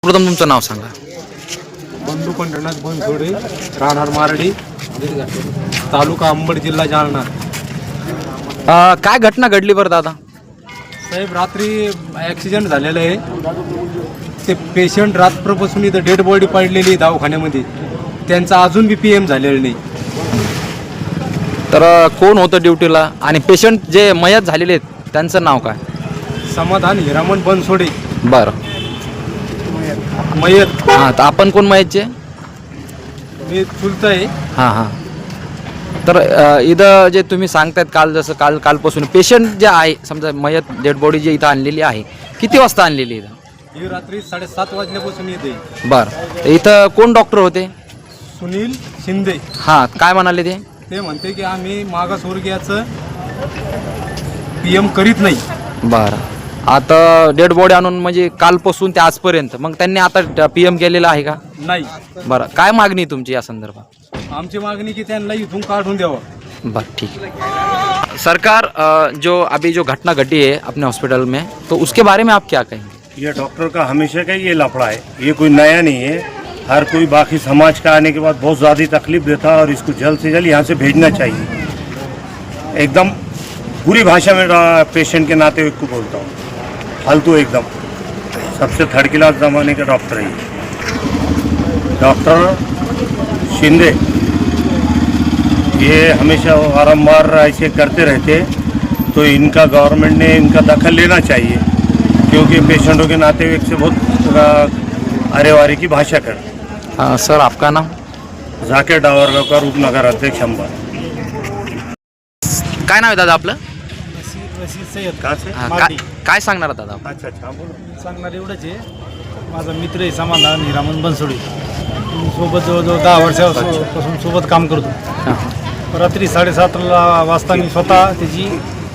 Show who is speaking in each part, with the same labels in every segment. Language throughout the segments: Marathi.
Speaker 1: प्रथम तुमचं नाव सांगा.
Speaker 2: बंधू पंढरनाथ बनसोडे, राहणार मारडी, तालुका अंबड, जिल्हा जालना.
Speaker 1: काय घटना घडली बरं दादा?
Speaker 2: साहेब, रात्री ॲक्सिडेंट झालेलं आहे. ते पेशंट रात्रपासून इथं डेड बॉडी पडलेली आहे दवाखान्यामध्ये. त्यांचा अजून बी PM झालेलं नाही.
Speaker 1: तर कोण होतं ड्युटीला आणि पेशंट जे मयत झालेले आहेत त्यांचं नाव काय?
Speaker 2: समाधान हिरामण बनसोडे
Speaker 1: बरं.
Speaker 2: मयत.
Speaker 1: हां, तर आपण कोण मयतचे?
Speaker 2: मी चुलत आहे.
Speaker 1: हां हां. तर इथं जे तुम्ही सांगतायत कालपासून पेशंट जे आहे, समजा मयत डेड बॉडी जे इथं आणलेली आहे, किती वाजता आणलेली इथं?
Speaker 2: ही रात्री 7:30 वाजल्यापासून येते.
Speaker 1: बरं. इथं कोण डॉक्टर होते?
Speaker 2: सुनील शिंदे.
Speaker 1: हां, काय म्हणाले ते?
Speaker 2: ते म्हणते की आम्ही मागासवर्गीयाचं PM करीत नाही.
Speaker 1: बरं. आता डेड बॉडी आणून म्हणजे कालपासून ते आजपर्यंत, मग त्यांनी आता PM केलेलं आहे का?
Speaker 2: नाही.
Speaker 1: बरं. काय मागणी आहे तुमची या संदर्भात?
Speaker 2: आमची मागणी की त्यांना इथून काढून द्यावं.
Speaker 1: बस ठीक है. सरकार जो घटना घटी है अपने हॉस्पिटल में, तो उसके बारे में आप क्या कहेंगे?
Speaker 3: ये डॉक्टर का हमेशा का ये लफड़ा है, ये कोई नया नहीं है. हर कोई बाकी समाज का आने के बाद बहुत ज़्यादा तकलीफ देता है और इसको जल्द से जल्द यहाँ से भेजना चाहिए. एकदम बुरी भाषा में पेशेंट के नाते हुए को बोलता हूँ. फालतू एकदम, सबसे थर्ड क्लास ज़माने का डॉक्टर है डॉक्टर शिंदे. ये हमेशा बारम्बार ऐसे करते रहते, तो इनका गवर्नमेंट ने इनका दखल लेना चाहिए, क्योंकि पेशेंटों के नाते एक से बहुत अरेवारी की भाषा कर.
Speaker 1: सर, आपका नाम?
Speaker 3: जाकेर डावरगाव का रूपनगर अध्यक्ष अंबा.
Speaker 1: काय नाव आहे दादा आपलं?
Speaker 2: सय्यद.
Speaker 1: काय सांगणार दादा?
Speaker 3: अच्छा अच्छा, बोलो.
Speaker 2: सांगणार एवढंच आहे. माझा मित्र आहे समाधान हिरामण बनसोडे. सोबत जवळजवळ 10 वर्षापासून सोबत काम करतो. रात्री 7:30 वाजता मी स्वतः त्याची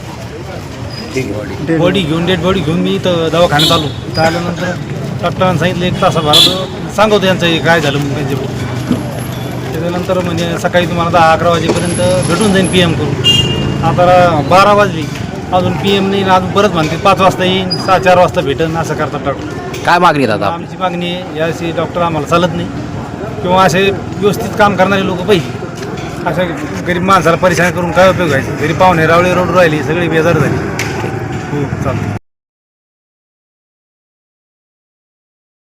Speaker 2: बॉडी घेऊन डेड बॉडी घेऊन मी इथं दवाखान्यात आलो. इथं आल्यानंतर डॉक्टरांनी सांगितलं 1 तासाभरात सांगतो त्यांचं काय झालं म्हणून त्यांचे. त्याच्यानंतर म्हणजे सकाळी तुम्हाला 10-11 वाजेपर्यंत भेटून जाईन PM करून. आता 12 वाजली अजून PM नाही. अजून परत म्हणते 5 वाजता येईन, 4 वाजता भेटेन, असं करतात डॉक्टर.
Speaker 1: काय मागणी दादा?
Speaker 2: आमची मागणी आहे याशी डॉक्टर आम्हाला चालत नाही, किंवा असे व्यवस्थित काम करणारे लोक पाहिजे. अशा गरीब माणसाला परेशान करून काय उपयोग व्हायचा? घरी पाहुणे रावळे रोड राहिली, सगळी बेजार झाली. हो, चालतं.